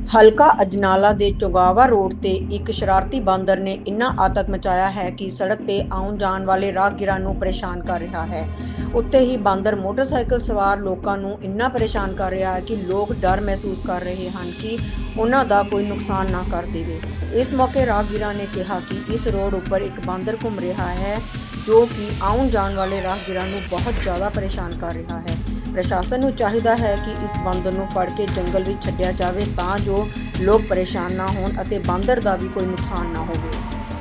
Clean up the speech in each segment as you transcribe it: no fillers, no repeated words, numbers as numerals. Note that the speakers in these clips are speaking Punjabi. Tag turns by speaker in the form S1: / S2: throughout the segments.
S1: ਹਲਕਾ ਅਜਨਾਲਾ ਦੇ ਚੋਗਾਵਾ ਰੋਡ ਤੇ ਇੱਕ ਸ਼ਰਾਰਤੀ ਬਾਂਦਰ ਨੇ ਇੰਨਾ ਆਤੰਕ ਮਚਾਇਆ ਹੈ ਕਿ ਸੜਕ ਤੇ ਆਉਣ ਜਾਣ ਵਾਲੇ ਰਾਹਗੀਰਾਂ ਨੂੰ ਪਰੇਸ਼ਾਨ ਕਰ ਰਿਹਾ ਹੈ। ਉੱਤੇ ਹੀ ਬਾਂਦਰ ਮੋਟਰਸਾਈਕਲ ਸਵਾਰ ਲੋਕਾਂ ਨੂੰ ਇੰਨਾ ਪਰੇਸ਼ਾਨ ਕਰ ਰਿਹਾ ਹੈ ਕਿ ਲੋਕ ਡਰ ਮਹਿਸੂਸ ਕਰ ਰਹੇ ਹਨ ਕਿ ਉਹਨਾਂ ਦਾ ਕੋਈ ਨੁਕਸਾਨ ਨਾ ਕਰ ਦੇਵੇ। ਇਸ ਮੌਕੇ ਰਾਹਗੀਰਾਂ ਨੇ ਕਿਹਾ ਕਿ ਇਸ ਰੋਡ ਉੱਪਰ ਇੱਕ ਬਾਂਦਰ ਘੁੰਮ ਰਿਹਾ ਹੈ ਜੋ ਕਿ ਆਉਣ ਜਾਣ ਵਾਲੇ ਰਾਹਗੀਰਾਂ ਨੂੰ ਬਹੁਤ ਜ਼ਿਆਦਾ ਪਰੇਸ਼ਾਨ ਕਰ ਰਿਹਾ ਹੈ। ਪ੍ਰਸ਼ਾਸਨ ਨੂੰ ਚਾਹੀਦਾ ਹੈ ਕਿ ਇਸ ਬਾਂਦਰ ਨੂੰ ਫੜ ਕੇ ਜੰਗਲ ਵਿੱਚ ਛੱਡਿਆ ਜਾਵੇ ਤਾਂ ਜੋ ਲੋਕ ਪਰੇਸ਼ਾਨ ਨਾ ਹੋਣ ਅਤੇ ਬਾਂਦਰ ਦਾ ਵੀ ਕੋਈ ਨੁਕਸਾਨ ਨਾ ਹੋਵੇ।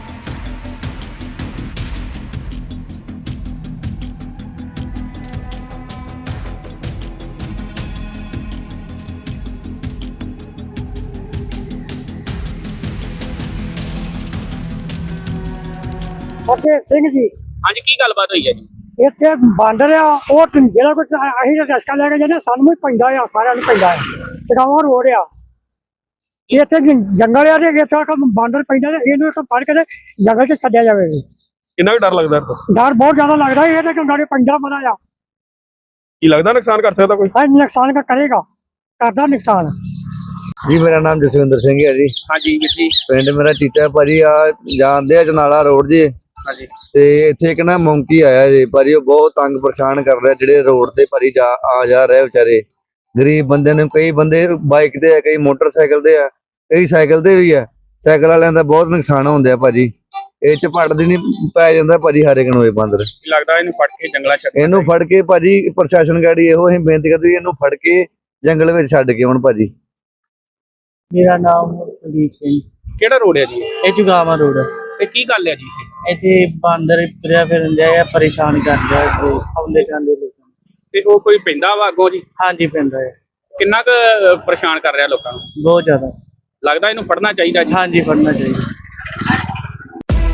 S2: ਫਤਿਹ ਸਿੰਘ ਜੀ
S3: ਹਾਂਜੀ ਕੀ ਗੱਲਬਾਤ ਹੋਈ ਹੈ ਜੀ?
S2: ਇੱਥੇ ਬਾਂਦਰ ਆ ਉਹ ਜਿਹੜਾ ਕੁਝ ਅਸੀਂ ਰਸਤਾ ਲੈ ਕੇ ਜਾਂਦੇ ਸਾਨੂੰ ਵੀ ਪੈਂਦਾ ਆ, ਸਾਰਿਆਂ ਨੂੰ ਪੈਂਦਾ ਆ। ਚਗਾਵਾ ਰੋਡ ਆ, ਇੱਥੇ ਜੰਗਲ ਆ ਤੇ ਇੱਥੇ ਬਾਂਦਰ ਪੈਂਦਾ ਤੇ ਇਹਨੂੰ ਇੱਕ ਫੜ ਕੇ ਤੇ ਜੰਗਲ 'ਚ ਛੱਡਿਆ ਜਾਵੇ।
S4: ਕਿੰਨਾ ਕੁ ਡਰ ਲੱਗਦਾ ਇਹਦਾ?
S2: ਡਰ ਬਹੁਤ ਜ਼ਿਆਦਾ ਲੱਗਦਾ, ਇਹ ਤੇ ਗਾੜੇ ਪੈਂਦਾ ਬੜਾ ਆ।
S4: ਕੀ ਲੱਗਦਾ ਨੁਕਸਾਨ ਕਰ ਸਕਦਾ ਕੋਈ?
S2: ਹਾਂ ਨੁਕਸਾਨ ਕਰੇਗਾ, ਕਰਦਾ ਨੁਕਸਾਨ।
S5: ਜੀ ਮੇਰਾ ਨਾਮ ਜਸਵਿੰਦਰ ਸਿੰਘ ਹੈ ਜੀ।
S3: ਹਾਂਜੀ ਵੀਰ ਜੀ।
S5: ਪਿੰਡ ਮੇਰਾ ਟੀਟਾ ਭਾਜੀ ਆ ਜਾਂਦੇ ਆ ਜਨਾਲਾ ਰੋਡ ਜੀ।
S3: ਹਾਂਜੀ
S5: ਤੇ ਇੱਥੇ ਇੱਕ ਨਾ ਮੌਂਕੀ ਆਇਆ ਜੀ ਭਾਜੀ, ਉਹ ਬਹੁਤ ਤੰਗ ਪਰੇਸ਼ਾਨ ਕਰ ਰਿਹਾ ਜਿਹੜੇ ਰੋਡ ਤੇ ਭਾਜੀ ਆ ਜਾ ਰਹੇ ਵਿਚਾਰੇ ਗਰੀਬ ਬੰਦੇ ਨੂੰ। ਕਈ ਬੰਦੇ ਬਾਈਕ ਤੇ ਆ, ਕਈ ਮੋਟਰਸਾਈਕਲ ਤੇ ਆ, ਕਈ ਸਾਈਕਲ ਤੇ ਵੀ ਆ। ਸਾਈਕਲ ਵਾਲਿਆਂ ਦਾ ਬਹੁਤ ਨੁਕਸਾਨ ਹੁੰਦਾ ਭਾਜੀ। ਇਹ ਝਪੜ ਦੀ ਨਹੀਂ ਪੈ ਜਾਂਦਾ ਭਾਜੀ ਹਰ ਇੱਕ ਨੂੰ ਇਹ ਬਾਂਦਰ।
S3: ਕੀ ਲੱਗਦਾ ਇਹਨੂੰ ਫੜ ਕੇ ਜੰਗਲਾਂ ਛੱਡ
S5: ਇਹਨੂੰ ਫੜ ਕੇ ਭਾਜੀ ਪ੍ਰਸ਼ਾਸਨ ਗਾੜੀ ਇਹੋ ਅਸੀਂ ਬੇਨਤੀ ਕਰਦੇ ਇਹਨੂੰ ਫੜ ਕੇ ਜੰਗਲ ਵਿੱਚ ਛੱਡ ਕੇ ਹੁਣ ਭਾਜੀ।
S2: ਮੇਰਾ ਨਾਮ ਕੁਲਦੀਪ ਸਿੰਘ।
S3: ਕਿਹੜਾ ਰੋਡ ਹੈ ਜੀ
S2: ਇਹ ਚੁਗਾਵਾ ਰੋਡ
S3: ਤੇ ਕੀ ਗੱਲ ਹੈ ਜੀ
S2: ਇੱਥੇ ਬਾਂਦਰ ਤੁਰਿਆ ਫਿਰਨ ਡਿਆ, ਪਰੇਸ਼ਾਨ ਕਰਦਾ ਆਉਂਦੇ ਜਾਂਦੇ ਲੋਕਾਂ ਨੂੰ।
S3: ਤੇ ਉਹ ਕੋਈ ਪੈਂਦਾ ਵਾ ਅੱਗੋਂ ਜੀ?
S2: ਹਾਂਜੀ ਪੈਂਦਾ ਹੈ,
S3: ਕਿੰਨਾ ਕੁ ਪਰੇਸ਼ਾਨ ਕਰ ਰਿਹਾ ਲੋਕਾਂ ਨੂੰ?
S2: ਬਹੁਤ ਜ਼ਿਆਦਾ।
S3: ਲੱਗਦਾ ਇਹਨੂੰ ਫੜਨਾ ਚਾਹੀਦਾ ਜੀ।
S2: ਹਾਂਜੀ ਫੜਨਾ चाहिए।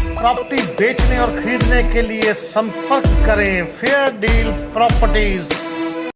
S6: प्रॉपर्टी बेचने और खरीदने के लिए संपर्क करें फेयर डील प्रॉपर्टीज।